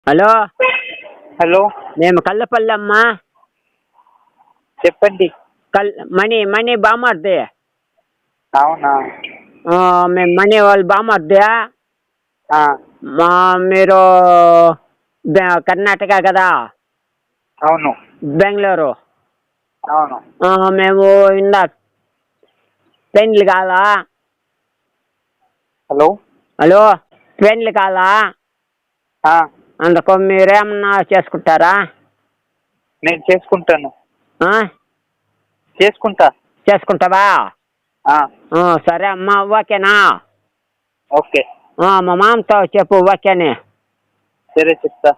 Hello hello, మేము కల్లపల్లి అమ్మా. చెప్పండి. మణి బామర్ది. అవునా? మేము మణి వాళ్ళు బామర్ది. ఆ, మీరు కర్ణాటక కదా? అవును. బెంగళూరు. అవును. మేము ఇందా పెండ్లి కాదా? హలో. హలో, పెండ్లి కాదా? అందుకు మీరేమన్నా చేసుకుంటారా? నేను చేసుకుంటాను. ఆ? చేసుకుంటా. చేసుకుంటావా? ఆ, సరే అమ్మా, ఓకేనా? ఓకే. మా మామతో చెప్పు ఓకేని. సరే, చెప్తా.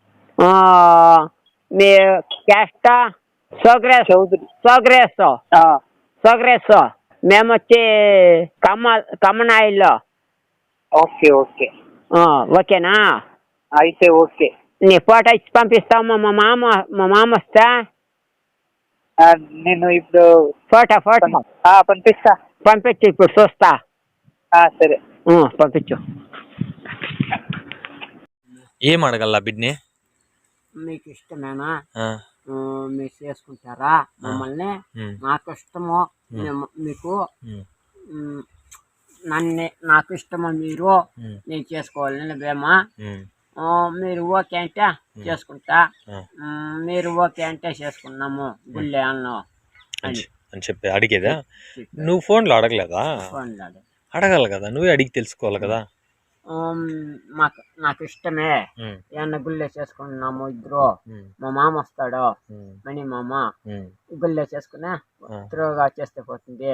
మీ క్యాస్ట్ సోగ్రేస్. చౌదరి. సోగ్రేస్. ఆ, సోగ్రేస్. మేము వచ్చి కమ్మనాయిల్లో. Okay okay. ఓకేనా? అయితే ఓకే. నీ ఫోటో ఇచ్చి పంపిస్తామా? మా మామ వస్తా. నేను ఇప్పుడు ఫోటో పంపిస్తా. పంపించు, ఇప్పుడు చూస్తా. సరే. పంపించు. ఏం అడగల్లా బిడ్ని? మీకు ఇష్టమేనా? మీరు చేసుకుంటారా మమ్మల్ని? నాకు ఇష్టము. మీకు నాకు ఇష్టమా? మీరు నేను చేసుకోవాలని బేమా. మీరు ఓకే అంటే చేసుకుంటా. మీరు ఓకే అంటే చేసుకున్నాము గుళ్ళే అన్నం అని చెప్పి అడిగేదా? నువ్వు ఫోన్లో అడగలేదా? అడగాలి కదా, నువ్వే అడిగి తెలుసుకోవాలి కదా. నాకు ఇష్టమే. ఏమన్నా గుళ్ళే చేసుకున్నాము ఇద్దరు. మా మామ వస్తాడు, మణి మామ. గుళ్ళే చేసుకునే త్రోగా చేస్తే పోతుంది.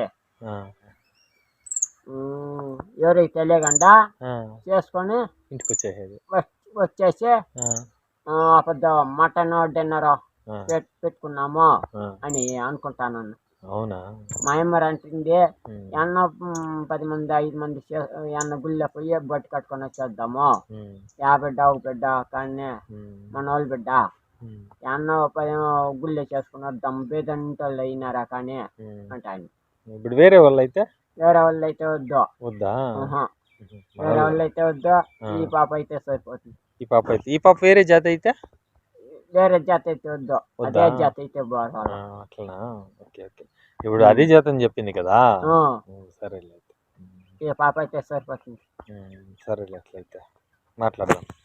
ఎవరికి తెలియకుండా చేసుకొని ఇంటికి వచ్చేసి పెద్ద మటన్ డిన్నర్ పెట్టుకున్నాము అని అనుకుంటాను. అవునా? మా అమ్మరు అంటుంది, ఎన్న 10 మంది 5 మంది ఎన్న గుళ్ళో పోయి బొట్టు కట్టుకొని వచ్చేద్దాము. 50 బిడ్డ 1 బిడ్డ కానీ మన వాళ్ళు బిడ్డ ఎన్న 10 గుళ్ళో చేసుకుని వద్దాం. బేదంటోళ్ళు అయినారా కానీ అంటాను. ఇప్పుడు వేరే వాళ్ళు అయితే వద్దు. వద్దా? వేరే వాళ్ళు అయితే వద్దు. ఈ పాప అయితే సరిపోతుంది. ఈ పాప వేరే జాతి అయితే? వేరే జాతి అయితే వద్దు. అదే జాతి అయితే అట్లనా? Okay okay. ఇప్పుడు అదే జాతి అని చెప్పింది కదా. సరేలే, ఈ పాప అయితే సరిపోతుంది. సరేలే, అట్లయితే మాట్లాడదాం.